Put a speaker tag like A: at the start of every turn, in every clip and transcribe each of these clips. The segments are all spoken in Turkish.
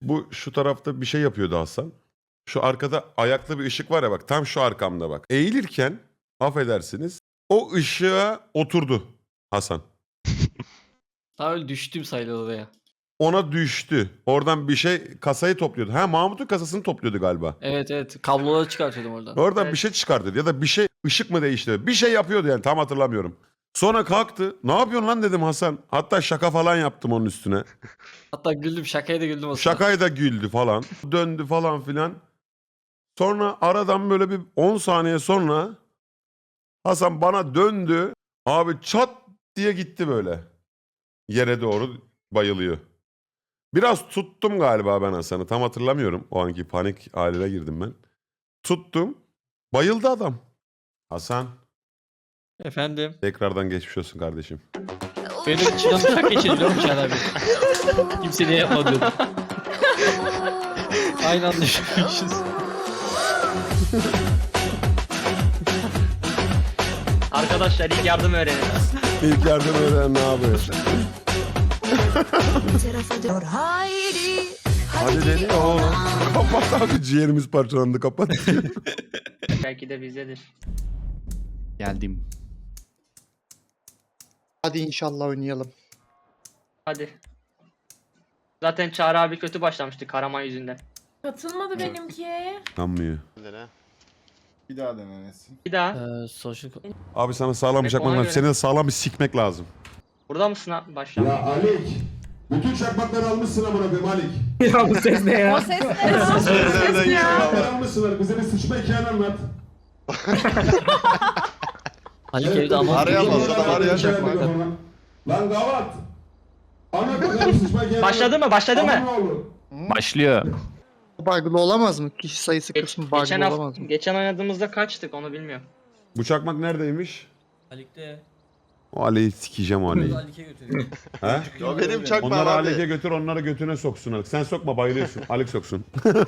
A: Bu şu tarafta bir şey yapıyordu Hasan. Şu arkada ayaklı bir ışık var ya bak tam şu arkamda bak. Eğilirken affedersiniz o ışığa oturdu Hasan.
B: Daha öyle düştüm sayılır oraya.
A: Ona düştü. Oradan bir şey kasayı topluyordu. Ha Mahmut'un kasasını topluyordu galiba.
B: Evet evet. Kabloları çıkartıyordum oradan.
A: Oradan
C: Evet.
A: bir şey çıkardı ya da bir şey ışık mı değişti? Bir şey yapıyordu yani tam hatırlamıyorum. Sonra kalktı. Ne yapıyorsun lan dedim Hasan. Hatta şaka falan yaptım onun üstüne.
B: Hatta güldüm. Şakaya da güldüm o sırada.
A: Şakayı da güldü falan. Döndü falan filan. Sonra aradan böyle bir 10 saniye sonra Hasan bana döndü. Abi çat diye gitti böyle. Yere doğru bayılıyor. Biraz tuttum galiba ben Hasan'ı. Tam hatırlamıyorum. O anki panik haline girdim ben. Tuttum. Bayıldı adam. Hasan
B: Efendim.
A: tekrardan geçmiş olsun kardeşim.
B: Benim içimden uçak geçirdi biliyor musun abi? Kimse ne yapmadı. Aynı anda düşünmüşüz.
C: Arkadaşlar ilk yardım öğrenin.
A: İlk yardım eden ne yapıyor? Hadi deli oğlum. Kapat abi ciğerimiz parçalandı kapat.
C: Belki de bizdedir.
D: Geldim.
E: Hadi inşallah oynayalım.
C: Hadi. Zaten Çağrı abi kötü başlamıştı Karaman yüzünden.
F: Katılmadı benimki.
A: Kanmıyor.
G: Bir daha denenesin.
C: Bir daha.
B: Social...
A: Abi sana sağlam bir çakmak
C: ona
A: lazım.
C: göre.
A: Seni de sağlam bir sikmek lazım.
C: Burada mısın abi? Başla.
A: Alik. Bütün çakmakları almışsın amına koyayım Alik.
F: O ses ne ya? O ses ya?
A: Almışsınlar. Bize bir sıçma hikayeni anlat.
B: Ali evde ama...
G: Arayamaz adam arayacak mı?
A: Lan gavat. Anlat bakalım sıçma hikayeni.
C: Başladı mı? Başladı mı?
D: Başlıyor.
E: Bug'lı olamaz mı? Kişi sayısı kısmı
C: Geçen
E: bug'lı olamaz mı?
C: geçen oynadığımızda kaçtık onu bilmiyorum.
A: Bu çakmak neredeymiş?
H: Alik'te.
A: O Ali'yi sikeceğim o Ali'yi.
H: Alik'e götürüyor.
A: He?
G: O benim çakmağım
A: Onları
G: abi.
A: Alik'e götür onları götüne soksun Alik. Sen sokma bayılıyorsun. Alik soksun.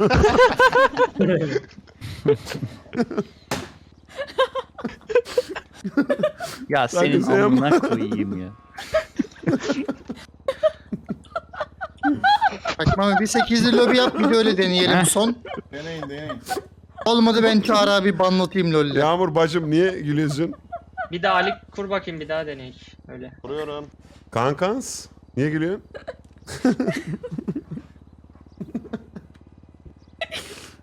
D: Ya senin
A: sen
D: amına koyayım ya.
E: Bak Mami bir 8'li lobi yap bir de öyle deneyelim son.
G: Deneyin.
E: Olmadı ben Çağrı abi banlatayım LoL'le.
A: Yağmur bacım niye gülüyorsun?
C: Bir daha Ali kur bakayım bir daha deneyik. Öyle.
G: Vuruyorum.
A: Kankans. Niye gülüyorsun?